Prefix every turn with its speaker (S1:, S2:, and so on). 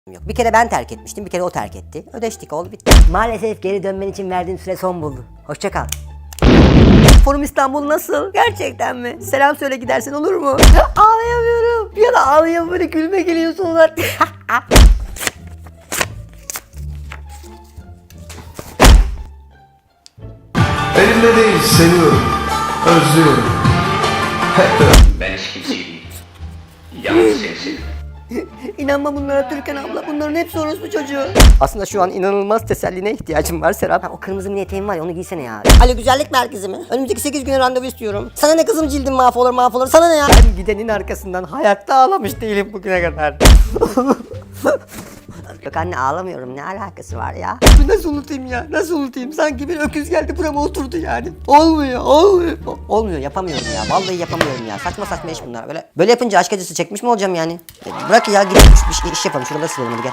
S1: yok. Bir kere ben terk etmiştim, bir kere o terk etti. Ödeştik, oldu bitti. Maalesef geri dönmen için verdiğim süre son buldu. Hoşça kal. Forum İstanbul nasıl? Gerçekten mi? Selam söyle gidersen olur mu? Ağlayamıyorum. Bir yana ağlayamıyorum, böyle gülme geliyor sonlar.
S2: Elimde değil, seviyorum, özlüyorum.
S3: Ben hiç kimseyi değil. Yalnız seni seviyorum.
S1: İnanma bunlara Türkan abla. Bunların hepsi orospu çocuğu. Aslında şu an inanılmaz teselline ihtiyacım var Serap. O kırmızı mini eteğim var ya, onu giysene ya. Alo, güzellik merkezi mi? Önümüzdeki 8 güne randevu istiyorum. Sana ne kızım, cildim mahvolur. Sana ne ya? Ben gidenin arkasından hayatta ağlamış değilim bugüne kadar. Yok anne, ağlamıyorum. Ne alakası var ya? Nasıl unutayım ya? Nasıl unutayım? Sanki bir öküz geldi burama oturdu yani. Olmuyor, yapamıyorum ya. Vallahi yapamıyorum ya. Saçma iş bunlar. Böyle yapınca aşk acısı çekmiş mi olacağım yani? Bırak ya, gidelim iş yapalım. Şuraları silelim hadi gel.